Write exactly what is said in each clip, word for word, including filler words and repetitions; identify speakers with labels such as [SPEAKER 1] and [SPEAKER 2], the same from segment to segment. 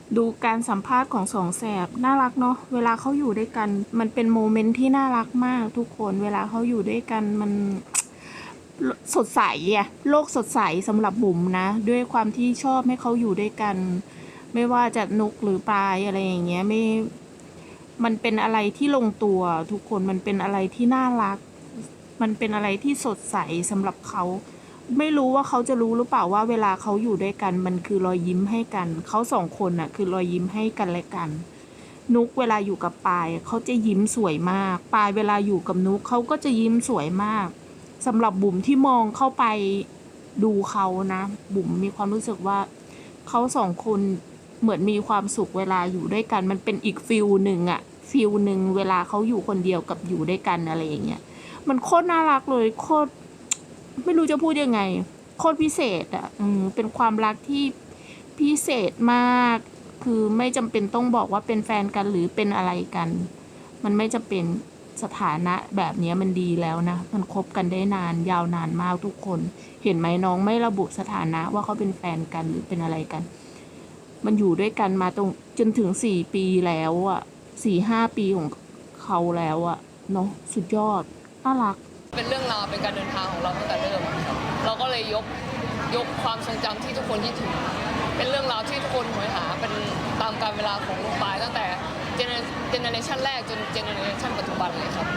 [SPEAKER 1] ดูการสัมภาษณ์ของสองแสบน่ารักเนาะเวลาเขาอยู่ด้วยกันมันเป็นโมเมนต์ที่น่ารักมากทุกคนเวลาเขาอยู่ด้วยกันมันสดใสอะโลกสดใสสำหรับบุ๋มนะด้วยความที่ชอบให้เขาอยู่ด้วยกัน ไม่ว่าจะนุกหรือปลายอะไรอย่างเงี้ยไม่มันเป็นอะไรที่ลงตัวทุกคนมันเป็นอะไรที่น่ารัก มันเป็นอะไรที่สดใสสำหรับเขาไม่รู้ว่าเขาจะรู้หรือเปล่าว่าเวลาเขาอยู่ด้วยกันมันคือรอยยิ้มให้กันเขาสองคนน่ะคือรอยยิ้มให้กันและกันนุกเวลาอยู่กับปายเขาจะยิ้มสวยมากปายเวลาอยู่กับนุกเขาก็จะยิ้มสวยมากสำหรับบุ๋มที่มองเข้าไปดูเขานะบุ๋มมีความรู้สึกว่าเขาสองคนเหมือนมีความสุขเวลาอยู่ด้วยกันมันเป็นอีกฟิลหนึ่งอะฟิลหนึ่งเวลาเขาอยู่คนเดียวกับอยู่ด้วยกันอะไรอย่างเงี้ยมันโคตรน่ารักเลยโคตรไม่รู้จะพูดยังไงโคตรพิเศษอ่ะอืมเป็นความรักที่พิเศษมากคือไม่จำเป็นต้องบอกว่าเป็นแฟนกันหรือเป็นอะไรกัน มันไม่จำเป็นสถานะแบบนี้มันดีแล้วนะมันคบกันได้นานยาวนานมากทุกคนเห็นไหมน้องไม่ระบุสถานะว่าเขาเป็นแฟนกันหรือเป็นอะไรกัน มันอยู่ด้วยกันมาตรงจนถึงสี่ปีแล้วอ่ะสี่ห้าปีของเขาแล้วอ่ะเนาะสุดยอดน่ารัก
[SPEAKER 2] เป็นเรื่องราวเป็นการเดินทางของเราตั้งแต่เริ่มครับเราก็เลยยกยกความทรงจำที่ทุกคนคิดถึงเป็นเรื่องราวที่ทุกคนหวยหาเป็นตามกาลเวลาของลูกปลายตั้งแต่เจเนอเรชันแรกจนเจเนอเรชันปัจจุบันเลยครับ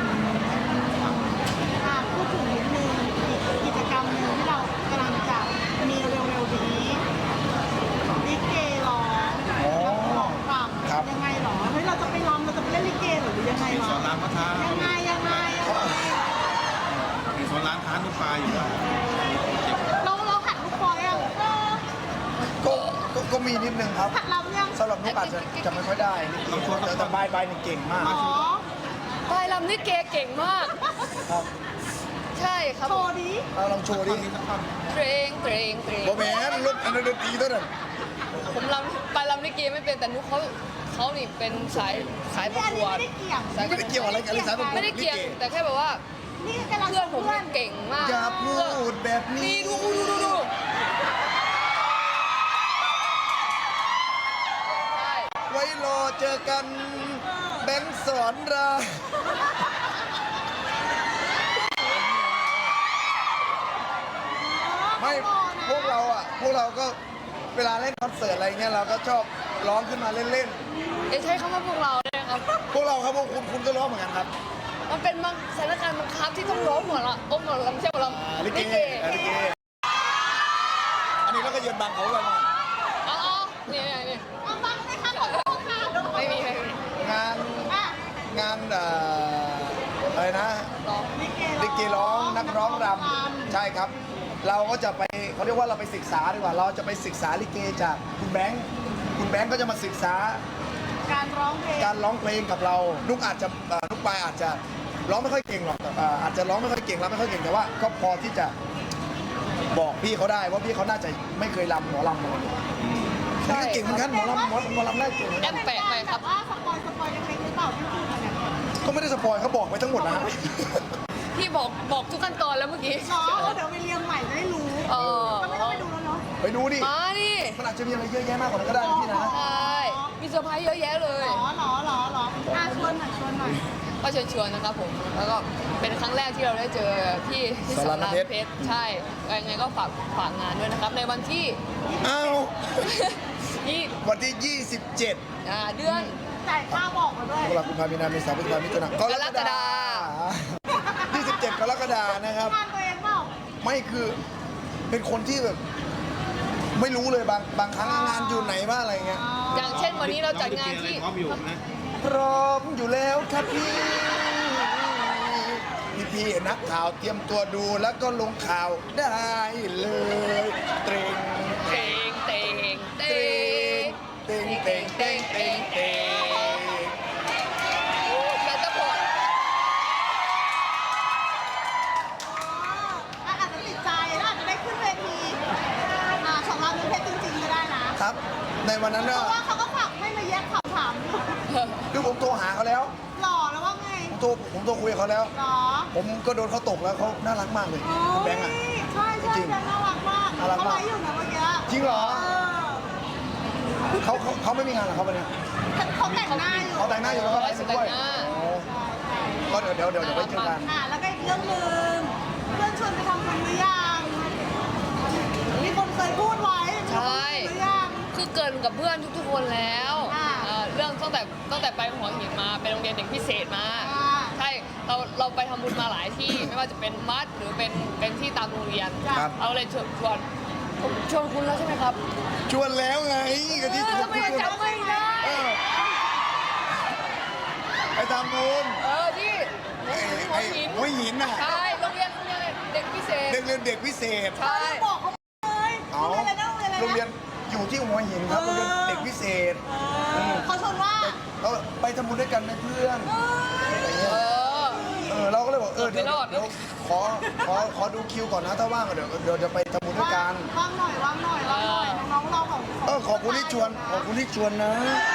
[SPEAKER 3] พูดถึงนิดนึงกิจกรรมหนึ่งที่เรากำลังจะมีเร็วๆนี้ลิเกร้องร้องรำยังไงหรอเฮ้ยเราจะไปรำเราจะไปเล่นลิเกหรือยังไงหรอ
[SPEAKER 4] สอนรามพระทา
[SPEAKER 3] ยังไงยังไง
[SPEAKER 4] มีสอนรามท้านุปลาอยู่ด้วย
[SPEAKER 3] เราเราหัดลูกคอยอ่ะ
[SPEAKER 5] ก็ก็ก็มีนิดนึงครับ
[SPEAKER 3] หัดรำยัง
[SPEAKER 5] สำหรับนุกอาจจะจะไม่ค่อยได้แต่แต่บายบายเนี่ยเก่งมาก
[SPEAKER 3] อ๋อ
[SPEAKER 2] ปลายลำนี่เกเก่งมาก
[SPEAKER 5] ครับ
[SPEAKER 2] ใช่ครับ
[SPEAKER 3] โชว์ดิ
[SPEAKER 5] เราลองโชว์ดิ
[SPEAKER 2] เตรงเตรงเตรง
[SPEAKER 5] โบแมนลูกอันนั้นดนตรีตัวนั้น
[SPEAKER 2] ผมลำปลายลำนี่เกไม่เป็นแต่นุกเขาเขานี่เป็นสายสายประ
[SPEAKER 3] อัน
[SPEAKER 2] ก
[SPEAKER 3] นี้
[SPEAKER 2] วด
[SPEAKER 3] ไม่ได้เกี่ยง
[SPEAKER 5] ไม่ได้เกี่ยวอะไรกันเลยสายประกวด
[SPEAKER 2] ไม่ได้เกี่ยงแต่แค่แบบว่า
[SPEAKER 3] นี่กำลัง
[SPEAKER 2] เพื่อนผมนี่เก่งมาก
[SPEAKER 5] อย่าพูดแบบนี้
[SPEAKER 2] นี่ดูดูดูดูใช่
[SPEAKER 5] ไว้รอเจอกันแบงค์สอนรามไม่พวกเราอ่ะพวกเราก็เวลาเล่นคอนเสิร์ตอะไรเงี้ยเราก็ชอบร้องขึ้นมาเล่น
[SPEAKER 2] เดี๋ยวใช้คำว่าพวกเราได้ไหมครับ
[SPEAKER 5] ๆพวกเราครับพวกคุณคุณก็ร้องเหมือนกันครับ
[SPEAKER 2] มันเป็นบางสถานการณ์บังคับที่ต้องร้องหมดละโอ้หมดลำเชี่ยวล
[SPEAKER 5] อ่า
[SPEAKER 2] ำ
[SPEAKER 5] ลิเกอ่าลิเกอันนี้เราก็ยืนบังเขาไว้มา
[SPEAKER 2] อ๋อนี่นี่นี่
[SPEAKER 3] เอาบ้างไหมคะขอโทษค่ะ
[SPEAKER 2] ไม่มีไม่มี
[SPEAKER 5] งาน
[SPEAKER 3] อ่ะ
[SPEAKER 5] งานเอ่ออะไรนะ
[SPEAKER 2] ร้อง
[SPEAKER 3] ลิเก
[SPEAKER 5] ลิเกร้องนักร้องรำใช่ครับ เราก็จะไปเขาเรียกว่าเราไปศึกษาดีกว่าเราจะไปศึกษาลิเกจากคุณแบงค์คุณแบงค์ก็จะมาศึกษา
[SPEAKER 3] การร้องเพลง
[SPEAKER 5] การร้องเพลงกับเรานุกอาจจะเอ่อนุกปายอาจจะร้องไม่ค่อยเก่งหรอกแต่เอ่ออาจจะร้องไม่ค่อยเก่งรำไม่ค่อยเก่งแต่ว่าก็พอที่จะบอกพี่เขาได้ว่าพี่เขาน่าจะไม่เคยรำหมอรำมาก่อนนี่ก็เก่งเหมือนกันหมอรำหมอหมอรำได้เก่งเหมือน
[SPEAKER 2] แอ
[SPEAKER 5] กัน
[SPEAKER 2] มแปะไปครับ
[SPEAKER 3] ว่าสปอยสปอยเล็กๆหรือเปล่าที่พูดมาเนี่ย
[SPEAKER 5] ก็ไม่ได้สปอยเขาบอกไปทั้งหมดนะฮะ
[SPEAKER 2] พี่บอกบอกทุกขั้นตอนแล้วเมื่อกี้
[SPEAKER 3] อ๋อเดี๋ยวไปเรียงใหม่จะได้รู้
[SPEAKER 2] เออ
[SPEAKER 3] ก็ไม่ต้องไปดูแล้วเนาะ
[SPEAKER 5] ไปดูดิ
[SPEAKER 2] มาดิ
[SPEAKER 5] มันอาจจะมีอะไรเยอะแยะมากกว่านั้นก็ได้นะพี่นะ
[SPEAKER 2] ใช่มีเซอร์ไพรส์เยอะแยะเลย
[SPEAKER 3] หรอหรอหรอหรออ่ะชวนหน่อยชวนหน่อย
[SPEAKER 2] ก็เชิญชวนนะครับผม แล้วก็เป็นครั้งแรกที่เราได้เจอพี่ที่สอนรามเพชรใช่ยังไงก็ฝากฝากงานด้วยนะครับ ในวันที่
[SPEAKER 5] อ้าว
[SPEAKER 2] ยี่
[SPEAKER 5] วันที่ยี่สิบเจ็ด
[SPEAKER 2] อ่าเดือน
[SPEAKER 3] จ่ายค่าบอกมาด้วย
[SPEAKER 5] ตุลาคมพามีนาเมษาพฤษภามิถุนายนกรกฎาคมยี่สิบเจ็ดกรกฎาคมนะครับ
[SPEAKER 3] งานตัวเองเปล่า
[SPEAKER 5] ไม่คือเป็นคนที่แบบ ไม่รู้เลยบางบางครั้งงานอยู่ไหนบ้างอะไรเงี้ย
[SPEAKER 2] อย่างเช่นวันนี้เราจัดงานที่
[SPEAKER 4] พร้อมอยู่นะ
[SPEAKER 5] พร้อมอยู่แล้วครับพี่พี่พี่นักข่าวเตรียมตัวดูแล้วก็ลงข่าวได้เลยเตรง
[SPEAKER 2] เตงเตงเต
[SPEAKER 5] เตรง
[SPEAKER 2] ง
[SPEAKER 5] เตรงเตรงเตรงเตรงเตรง
[SPEAKER 2] แล้วจะพอ
[SPEAKER 3] อาจจะติดใจแล้วอาจจะได้ขึ้นเวทีอ่าของเรามีเพชรจริงๆก็ได้นะครับ
[SPEAKER 5] ในวันนั้น
[SPEAKER 3] เพ
[SPEAKER 5] ก็
[SPEAKER 3] ราะว่าเขาก็ฝากให้มาแยกคำถามอยู่
[SPEAKER 5] คือผมโทรหาเขาแล้ว
[SPEAKER 3] หล่อแล้วว่าไง
[SPEAKER 5] ผมโทรผมโทรคุยกับเขาแล้ว
[SPEAKER 3] หรอ
[SPEAKER 5] ผมก็โดนเขาตกแล้วเขาน่ารักมากเลยคุณแบงค์อ่ะ
[SPEAKER 3] ใช่ใช่
[SPEAKER 5] จริง
[SPEAKER 3] แบงค์น่ารักมาก
[SPEAKER 5] น่ารัก
[SPEAKER 3] เขา
[SPEAKER 5] มาก
[SPEAKER 3] ไลฟ์อยู่นะเมื่อกี้
[SPEAKER 5] จริงเหรอ
[SPEAKER 3] เออ
[SPEAKER 5] เขาเขาเขเขาไม่มีงานเหรอครับวันเนี้ย
[SPEAKER 3] เขาแต่งหน้าอยู่
[SPEAKER 5] เขาแต่งหน้าอยู่แล้วก็ไลฟ์สดด้วย
[SPEAKER 2] แต่งหน้า
[SPEAKER 5] โอ้ก็เดี๋ยวเดี๋ยวเดี๋ยวเดี๋ยวไปเจอกัน
[SPEAKER 3] อ่าแล้วก็อีกเรื่องหนึ่งเพื่อนชวนไปทำบุญหรือยังมีคนเคยพูดไว้
[SPEAKER 2] ใช่
[SPEAKER 3] หรือยัง
[SPEAKER 2] คือเกินกับเพื่อนทุกๆคนแล้ว
[SPEAKER 3] อ่า
[SPEAKER 2] เอ่อเรื่องตั้งแต่ตั้งแต่ไปหัวหินมาไปโรงเรียนเด็กพิเศษมา
[SPEAKER 3] อ่า
[SPEAKER 2] ใช่เราเราไปทำบุญมาหลายที่ ไม่ว่าจะเป็นวัดหรือเป็นเป็นที่ตามโรงเรียน
[SPEAKER 5] ครับ
[SPEAKER 2] เราเลยชวนชวนผมชวนคุณแล้วใช่ไหมครับ
[SPEAKER 5] ชวนแล้วไงก็ที่ชวน
[SPEAKER 2] ทำไม
[SPEAKER 5] ชวน
[SPEAKER 2] จำไม่ได้
[SPEAKER 5] เออไปทำบุญ
[SPEAKER 2] เออที่
[SPEAKER 5] ไอ้
[SPEAKER 2] หัว
[SPEAKER 5] ไอ้
[SPEAKER 2] หิน
[SPEAKER 5] หัวหินน่ะ
[SPEAKER 2] ใช่โรงเรียนโรงเรียนเด็กพิเศษ
[SPEAKER 5] เด็กเรียนเด็กพิเศษ
[SPEAKER 2] ใช่
[SPEAKER 3] บอกเขาเลย
[SPEAKER 5] เอา
[SPEAKER 3] โรงเรียนอะไรนะโรงเรียนอะไรนะ
[SPEAKER 5] โรงเรียนอยู่ที่หัวหินครับโรงเรียนเด็กพิเศษ
[SPEAKER 3] เออเขาชวนว่า
[SPEAKER 5] เราไปทำบุญด้วยกันไหมเพื่อน
[SPEAKER 2] เออ
[SPEAKER 5] เออเราก็เลยบอกเออเดี๋ยว
[SPEAKER 2] ไม่รอดนะ
[SPEAKER 5] เดี๋ยวขอขอขอดูคิวก่อนนะถ้าว่างเดี๋ยวเดี๋ยวจะไปทำบุญด้วยกัน
[SPEAKER 3] ว่างหน่อยว่างหน่อยว่างหน่อยน้องๆเราของ
[SPEAKER 5] เออขอบคุณที่ชวนขอบคุณที่ชวนนะ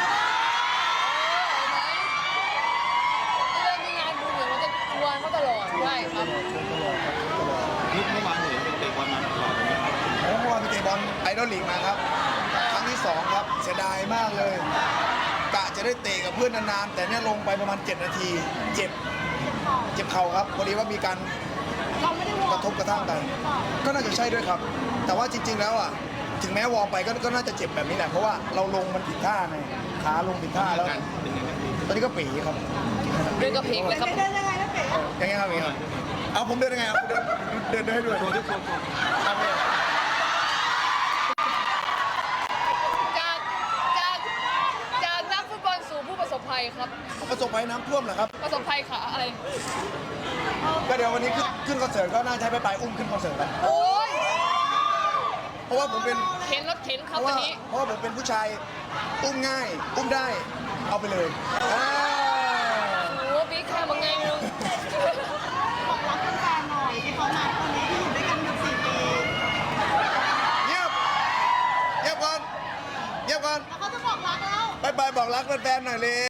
[SPEAKER 2] เรื่องมีงานบุญเนี่ยมันจะชวนเขาตลอดใช่ครับ
[SPEAKER 4] นี่เมื่อวานเห็นเป็นเตะบอลมาก่อนไหม
[SPEAKER 5] ผมเมื่อวานไปเตะบอลไอดอลลีกมาครับ ครั้งที่สองครับเสียดายมากเลยกะจะได้เตะกับเพื่อนนานๆ แต่เนี่ยลงไปประมาณเจ็ดนาที เจ็บเจ็บเข่าครับพอดีว่ามีการ
[SPEAKER 3] เราไม่ได้วอ
[SPEAKER 5] กระทบกระทั่งกัน ก็น่าจะใช่ด้วยครับ แต่ว่าจริง ๆ แล้วอ่ะถึงแม้วอร์มไปก็ก็น่าจะเจ็บแบบนี้แหละเพราะว่าเราลงมันผิดท่าไงขาลงผิดท่าแล้ว
[SPEAKER 4] เป็นยังไงบ้างพี่
[SPEAKER 5] ตอนนี้ก็ปีครับ
[SPEAKER 2] เรื่องกระเพกเลยครับ
[SPEAKER 3] เดินยังไงนะเป๋
[SPEAKER 5] อย่างเงี้ยครับอย่างเงี้ยครับเอาผมเดินยังไงเอาผมเดินเดินเดินให้ด้วย
[SPEAKER 4] ตัวทุกคน
[SPEAKER 5] เอาเลย
[SPEAKER 2] จากจากจากนักฟุตบอลสู่ผู้ประสบภัยครับ
[SPEAKER 5] ประสบภัยน้ำท่วมเหรอครับ
[SPEAKER 2] ประสบภัยขาอะไร
[SPEAKER 5] ก็เดี๋ยววันนี้ขึ้นขึ้นคอนเสิร์ตก็น่าจะใช้ไปไปอุ้มขึ้นคอนเสิร์ตกัน
[SPEAKER 2] โอ้ย
[SPEAKER 5] เพราะว่าผมเป็น
[SPEAKER 2] เข็นรถเข็นค
[SPEAKER 5] เพ
[SPEAKER 2] รับ
[SPEAKER 5] ราะ
[SPEAKER 2] วั
[SPEAKER 5] ว่าน
[SPEAKER 2] นี้
[SPEAKER 5] เพราะว่าผมเป็นผู้ชายอุ้มง่าย อุ้มได้ เอาไปเลยอ่า
[SPEAKER 2] โอ้บิ๊กแค่มึงไงมึง
[SPEAKER 3] บอกรักแฟนๆหน่อยที่เขามาคนนี้ที่อยู่ด้วยกันมาสี่ปี
[SPEAKER 5] เงียบเงียบก่อนเงียบก่อน
[SPEAKER 3] แล้วเขาจะบอกรักแล้ว
[SPEAKER 5] ไปไปบอกรักแฟนๆหน่อยเลย